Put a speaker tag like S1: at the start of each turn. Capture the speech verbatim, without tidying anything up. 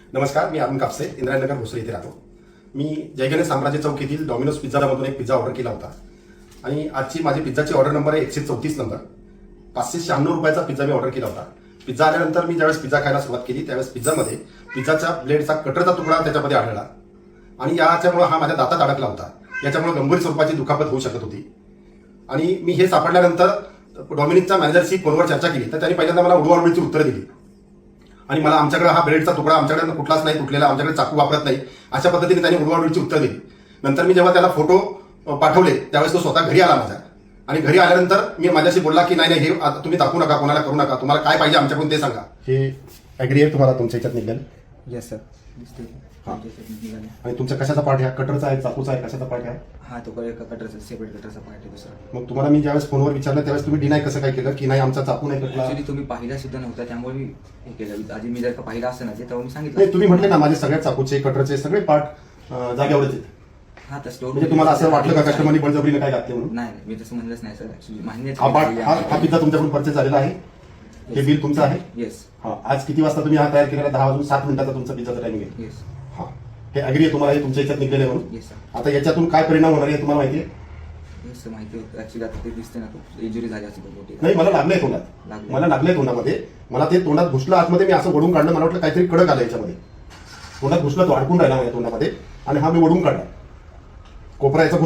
S1: नमस्कार, मी अरुण कापसे, इंद्रायणनगर भोसरी इथे राहतो. मी जयगणेश साम्राज्य चौक येथील डॉमिनोज पिझ्झामधून एक पिझ्झा ऑर्डर केला होता आणि आजची माझी पिझ्झाची ऑर्डर नंबर आहे एकशे चौतीस नंबर. पाचशे शहाण्णव रुपयाचा पिझ्झा मी ऑर्डर केला होता. पिझ्झा आल्यानंतर मी ज्यावेळेस पिझ्झा खायला सुरुवात केली त्यावेळेस पिझ्झामध्ये पिझ्झाच्या ब्लेडचा कटरचा तुकडा त्याच्यामध्ये आढळला आणि याच्यामुळे हा माझ्या दातात अडकला होता. याच्यामुळे गंभीर स्वरूपाची दुखापत होऊ शकत होती. आणि मी हे सापडल्यानंतर डॉमिनोजच्या मॅनेजरशी फोनवर चर्चा केली तर त्यांनी पहिल्यांदा मला उडवाउडवीची उत्तरं दिली आणि मला आमच्याकडे हा ब्रेडचा तुकडा आमच्याकडे कुठलाच नाही तुटलेला, आमच्याकडे चाकू वापरत नाही, अशा पद्धतीने त्यांनी उडवाउडवीची उत्तर दिली. नंतर मी जेव्हा त्याला फोटो पाठवले त्यावेळेस तो स्वतः घरी आला माझ्या आणि घरी आल्यानंतर मी माझ्याशी बोलला की नाही नाही हे आता तुम्ही दाखवू नका, कोणाला करू नका, तुम्हाला काय पाहिजे आमच्याकडून ते सांगा. हे ॲग्री आहे तुम्हाला तुमच्या ह्याच्यात निघेल?
S2: Yes sir.
S1: आणि तुमच्या कशाचा पार्ट आहे? कटरचा आहे, चाकूचा आहे, कशाचा पार्ट आहे?
S2: हा तो एका कटरचा सेपरेट कटरचा पार्ट आहे दुसरा.
S1: मग तुम्हाला मी ज्यावेळेस फोनवर विचारलं त्यावेळेस तुम्ही डिनाय कसं काय केलं की नाही आमचा चाकू नाही कटला?
S2: ऍक्च्युली तुम्ही पाहिला सुद्धा नव्हता त्यामुळे मी हे केलं. आधी मी जर का पाहिला असतं ना ते तेव्हा मी सांगितलं.
S1: नाही, तुम्ही म्हटले ना माझे सगळ्या चाकूचे कटरचे सगळे पार्ट जागेवरच आहेत.
S2: हा तर स्टोर
S1: म्हणजे तुम्हाला असं वाटलं का कस्टमरनी बळजबरीने काय घातले म्हणून?
S2: नाही मी तसं म्हणलंच नाही सर. ऍक्च्युली मान्य
S1: हा पार्ट हा हा पिझ्झा तुमच्याकडून परचेस झालेला आहे. हे बिल तुमचं आहे.
S2: येस
S1: हा, आज किती वाजता तुम्ही हा तयार केलेला? दहा वाजून सात मिनिटाचा तुमचा पिझ्झाचा टाइमिंग आहे.
S2: येस
S1: हा, हे अग्री आहे तुम्हाला? हे तुमच्या याच्यात निघलेलं आहे म्हणून?
S2: Yes sir.
S1: आता याच्यातून काय परिणाम होणार आहे तुम्हाला माहिती आहे?
S2: येस सर माहिती होतं. ऍक्च्युली आता ते दिसते ना खूप इंजुरी झाली असेल मोठी.
S1: नाही, मला लागलंय तोंडात,
S2: लागलंय.
S1: मला लागलंय तोंडामध्ये. मला ते तोंडात घुसलं आतमध्ये, मी असं वडून काढलं, मला वाटलं काहीतरी कडक आलं याच्यामध्ये. तोंडात घुसलं, तो अडकून राहिला माझ्या तोंडामध्ये आणि हा मी वडून काढला. कोपरा याचा